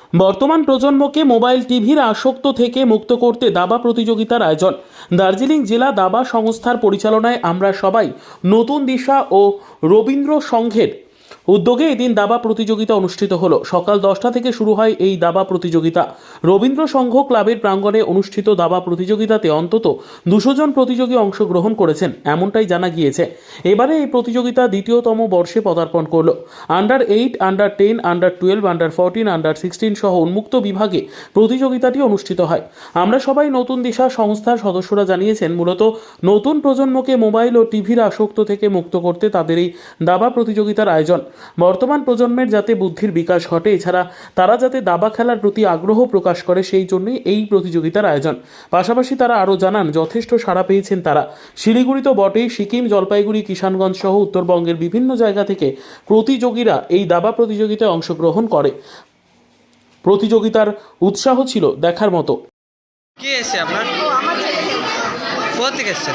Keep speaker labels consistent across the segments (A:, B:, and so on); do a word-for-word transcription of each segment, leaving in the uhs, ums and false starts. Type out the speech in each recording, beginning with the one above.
A: বর্তমান প্রজন্মকে মোবাইল টিভির আসক্ত থেকে মুক্ত করতে দাবা প্রতিযোগিতার আয়োজন। দার্জিলিং জেলা দাবা সংস্থার পরিচালনায় আমরা সবাই নতুন দিশা ও রবীন্দ্র সংঘের উদ্যোগে এদিন দাবা প্রতিযোগিতা অনুষ্ঠিত হলো। সকাল দশটা থেকে শুরু হয় এই দাবা প্রতিযোগিতা। রবীন্দ্র সংঘ ক্লাবের প্রাঙ্গণে অনুষ্ঠিত দাবা প্রতিযোগিতাতে অন্তত দুশো জন প্রতিযোগী অংশগ্রহণ করেছেন, এমনটাই জানা গিয়েছে। এবারে এই প্রতিযোগিতা দ্বিতীয়তম বর্ষে পদার্পণ করলো। Under eight, under ten, under twelve, under fourteen, under sixteen সহ উন্মুক্ত বিভাগে প্রতিযোগিতাটি অনুষ্ঠিত হয়। আমরা সবাই নতুন দিশা সংস্থার সদস্যরা জানিয়েছেন, মূলত নতুন প্রজন্মকে মোবাইল ও টিভির আসক্ত থেকে মুক্ত করতে তাদের এই দাবা প্রতিযোগিতার আয়োজন। বর্তমান প্রজন্মের যাতে বুদ্ধির বিকাশ ঘটে, এছাড়া তারা যাতে দাবা খেলার প্রতি আগ্রহ প্রকাশ করে, সেই জন্যই এই প্রতিযোগিতার আয়োজন। পাশাপাশি তারা আরও জানান, যথেষ্ট সাড়া পেয়েছেন তারা। শিলিগুড়ি তো বটেই, সিকিম, জলপাইগুড়ি, কিষানগঞ্জ সহ উত্তরবঙ্গের বিভিন্ন জায়গা থেকে প্রতিযোগীরা এই দাবা প্রতিযোগিতায় অংশগ্রহণ করে। প্রতিযোগিতার উৎসাহ ছিল দেখার মতো।
B: কে এসছে আপনার? কোথা থেকে এসছেন?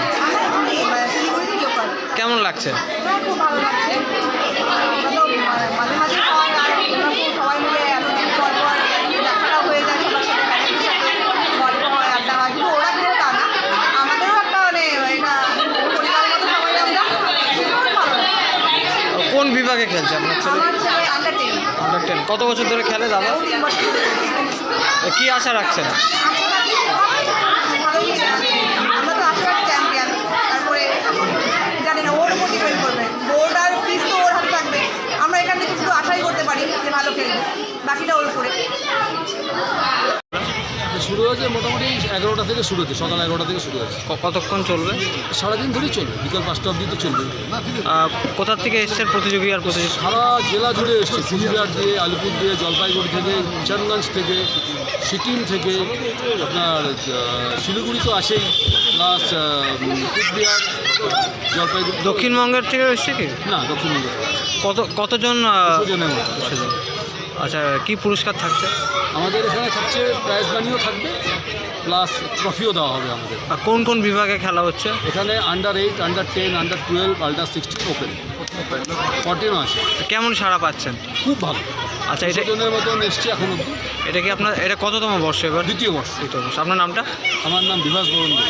B: কেমন লাগছে?
C: খুব ভালো লাগছে। মাঝে মাঝে হয় আর সবাই মিলে এতদিন পর পর দেখাটাও হয়ে যায়, সবার সাথে ফ্যামিলির সাথে গল্প হয়, আড্ডা হয়। কিন্তু ওরা কিন্তু তা না, আমাদেরও একটা মানে এটা পরিবারের মতো সবাই আমরা খুব ভালো লাগে।
B: কোন বিভাগে খেলছে আপনার ছেলে?
C: আমার ছেলে আন্ডার টেন।
B: Under ten. কত বছর ধরে খেলে দাদা? কি আশা রাখছেন?
C: আমরা তো আশা রাখছি চ্যাম্পিয়ন। তারপরে জানি না ওর উপর ডিপেন্ড করবে, বোর্ড আর পিস তো ওর হাতে থাকবে। আমরা এখান থেকে শুধু আশাই করতে পারি যে ভালো খেলবে, বাকিটা ওর উপরে।
D: শুরু হয়েছে মোটামুটি এগারোটা থেকে শুরু হচ্ছে, সকাল এগারোটা থেকে শুরু হয়েছে।
B: ক- কতক্ষণ চলবে?
D: সারাদিন ধরেই চলবে, বিকাল পাঁচটা অবধি তো চলবে না।
B: আহ, কোথা থেকে এসছেন প্রতিযোগী আর প্রতিযোগী?
D: সারা জেলা জুড়ে এসছে, কুচবিহার দিয়ে, আলিপুর দিয়ে, জলপাইগুড়ি থেকে, কিষানগঞ্জ থেকে, সিকিম থেকে, আপনার আহ, শিলিগুড়ি তো আসেই, প্লাস কুচবিহার, জলপাইগুড়ি।
B: দক্ষিণবঙ্গের থেকে এসছে কি?
D: না, দক্ষিণবঙ্গে
B: কত কতজন? আহ,
D: দুজনের মতো।
B: দুশো জন। আচ্ছা, কি পুরস্কার থাকছে?
D: আমাদের এখানে থাকছে প্রাইজ মানিও থাকবে, প্লাস ট্রফিও দেওয়া হবে আমাদের।
B: আর কোন কোন বিভাগে খেলা হচ্ছে?
D: এখানে under eight, under ten, under twelve, under sixteen, open ফর্টিনও আছে।
B: কেমন সাড়া পাচ্ছেন?
D: খুব ভালো।
B: আচ্ছা, এটা
D: জনের মতন এসছি এখন অব্দি।
B: এটা কি আপনার, এটা কততম বর্ষ এবার?
D: দ্বিতীয় বর্ষ।
B: দ্বিতীয় বর্ষ। আপনার নামটা?
D: আমার নাম বিভাস বরুণ দে।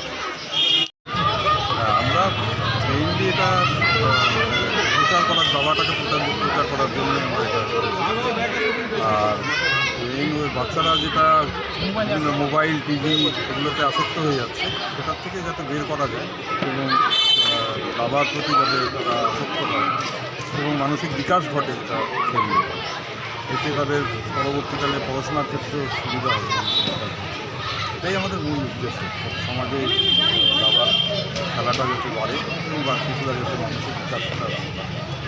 E: আমরা মেইনলি এটা আহ, প্রচার করার দাবাটাকে প্রচার প্রচার করার জন্য আমরা এটা করেছি। আর এই বাচ্চারা যেটা বিভিন্ন মোবাইল, টিভি এগুলোতে আসক্ত হয়ে যাচ্ছে, সেটার থেকে যাতে বের করা যায় এবং আহ, দাবার প্রতি যাতে তারা আসক্ত হয় এবং মানসিক বিকাশ ঘটে এটা খেললে, এতে তাদের পরবর্তীকালে পড়াশোনার ক্ষেত্রেও সুবিধা হবে। এটাই আমাদের মূল উদ্দেশ্য, সমাজে দাবার খেলাটা যাতে বাড়ে এবং বা শিশুরা যাতে মানসিক বিকাশটা